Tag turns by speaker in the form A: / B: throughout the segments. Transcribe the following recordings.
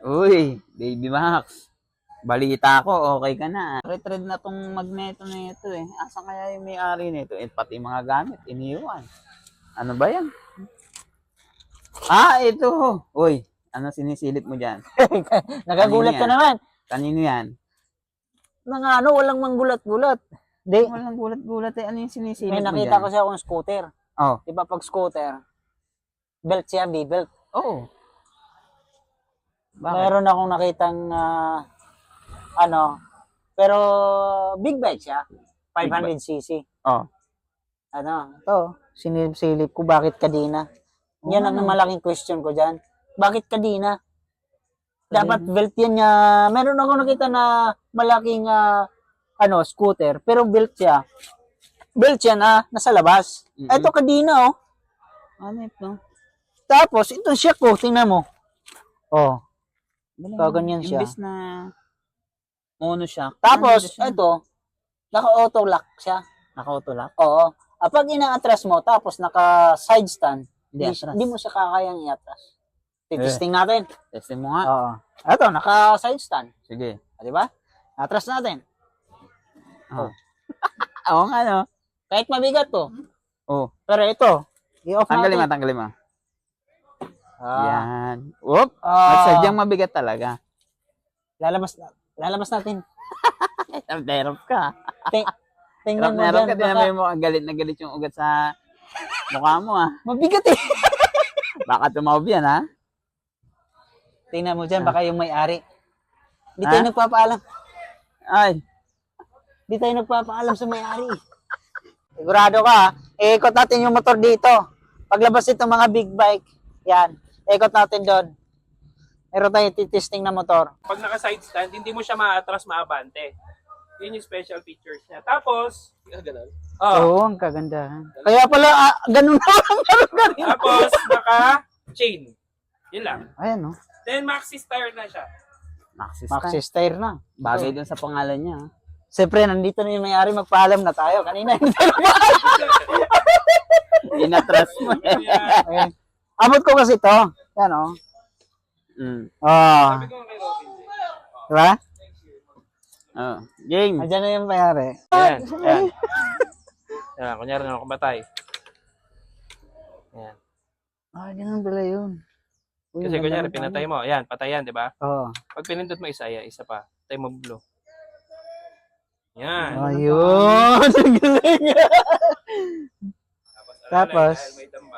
A: Uy, Baby Max. Balita ko, okay ka na. Retread na tong magneto na ito eh. Asan kaya yung may-ari nito? Eh, pati mga gamit, iniwan. Ano ba yan? Ah, ito. Uy, ano sinisilip mo dyan?
B: Nagagulat ka
A: Kanino yan?
B: naman.
A: Kanino yan?
B: Mga ano, walang manggulat-gulat. Di,
A: Walang gulat-gulat eh. Ano yung sinisilip
B: may
A: mo
B: nakita
A: dyan?
B: ko siya akong scooter.
A: Oh,
B: Di ba pag scooter, belt siya, B-belt.
A: oo. Bakit?
B: Meron akong nakitang, ano, pero big bike siya. 500cc.
A: Oh.
B: Ano, to, sinilip-silip ko, bakit kadina? Yan ang malaking question ko dyan. Bakit kadina? Dapat belt yan niya. Meron ako nakita na malaking ano, scooter, pero belt siya. Belt siya na nasa labas.
A: Mm-mm.
B: Ito kadina oh.
A: Ano ito?
B: Tapos ito siya ko, tingnan mo. Oh.
A: Galing
B: Kaganyan
A: mo.
B: siya.
A: Imbis na monoshock.
B: Tapos
A: ano siya?
B: ito, naka-auto lock siya.
A: Naka-auto lock?
B: Oo. Pag ina-atras mo, tapos naka-side stand,
A: Hindi
B: hindi mo siya kakayang i-atras. Titisting natin.
A: Testing mo nga.
B: Oo. Ito, naka-side stand.
A: Sige.
B: Di ba? Atras natin.
A: Oh. Oo nga no.
B: Kahit mabigat to.
A: Oh.
B: Pero ito, i-off
A: Tanggalin mo,
B: natin.
A: tanggalin mo.
B: Ah.
A: Yan. Whoop.
B: Ah.
A: Sadyang mabigat talaga.
B: Lalabas natin.
A: Terap ka.
B: Tingnan mo
A: Meron ka,
B: dyan.
A: tinan mo yung mga galit na galit yung ugat sa mukha mo ah.
B: Mabigat eh.
A: Baka tumaob yan ha.
B: Tingnan mo dyan, baka yung may-ari. Di tayo nagpapaalam.
A: Ay.
B: Di tayo nagpapaalam sa may-ari. Sigurado ka ha? Iikot natin yung motor dito. Paglabas itong mga big bike, yan. Ikot natin doon. Meron tayong titesting na motor.
C: Pag naka-side stand, hindi mo siya maatras, maabante. Yun yung special features niya. Tapos, ganun.
B: Oo, ang kagandahan. Kaya pala, ganun na lang.
C: Tapos, naka-chain. Yun lang.
B: Ayan o.
C: Then, maxi tire na siya.
A: Maxis
B: Maxis tire na.
A: Bagay dun sa pangalan niya. ah.
B: Siyempre, nandito na yung may-ari, magpaalam na tayo. Kanina, hindi
A: Inatras mo eh.
B: Ayan. Abot ko kasi ito. Yan o.
A: Mm.
C: Sabi ko kay Robin.
B: Diba?
A: Oh. Game.
B: Andiyan na yung may-ari.
C: Ayan. Ayan. Ayan. Kunyari na ako batay. Ayan.
B: Ganun pala yun. Uy,
C: Kasi
B: ang
C: kunyari,
B: ganda ng
C: pinatay mo. Ayan, patayan, di ba?
B: Oo.
C: Pag pinindot mo isa, ayan, isa pa. Patay mo blue. Yan.
B: Ayun. Ang galing. Tapos?
C: Dahil may tamba.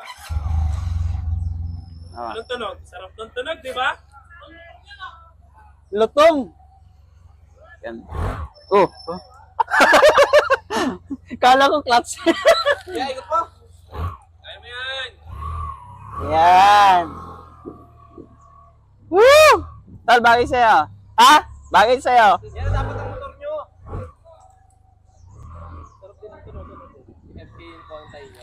A: Oh.
C: Anong tunog? Sarap ng tunog, di ba?
B: Lutong.
A: Yan. Oh.
B: Kala ko clutch.
C: Yeah, ikot mo. Kaya mo yan.
B: Yan.
A: Woo! Tal, bagay sa'yo. Ha? Bagay sa'yo.
C: Yan dapat ang motor nyo. Sarap din ang tunog. FK yung kontay niya.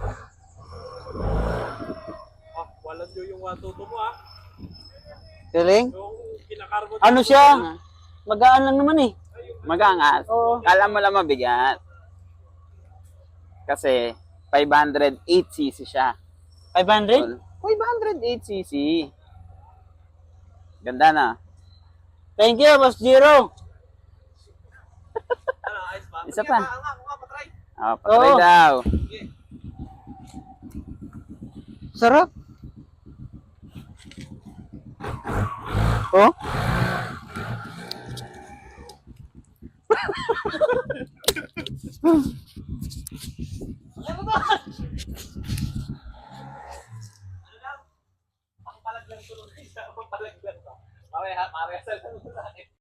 C: Walang nyo yung 122 mo ah.
B: Galing.
C: Yung kinakargo.
B: Ano siya? Magaan lang naman eh.
A: Magangas.
B: Oo.
A: Kala mo lang mabigat. Kasi 508cc siya.
B: 500?
A: 508cc. Ganda na.
B: Thank you, Boss Jiro.
A: Isa pa. Oh, patry
B: Oo.
A: daw.
B: Sarap. Oh?
C: Ang palag lang tulong isa. Ang palag lang to. Parehas lang sa akin.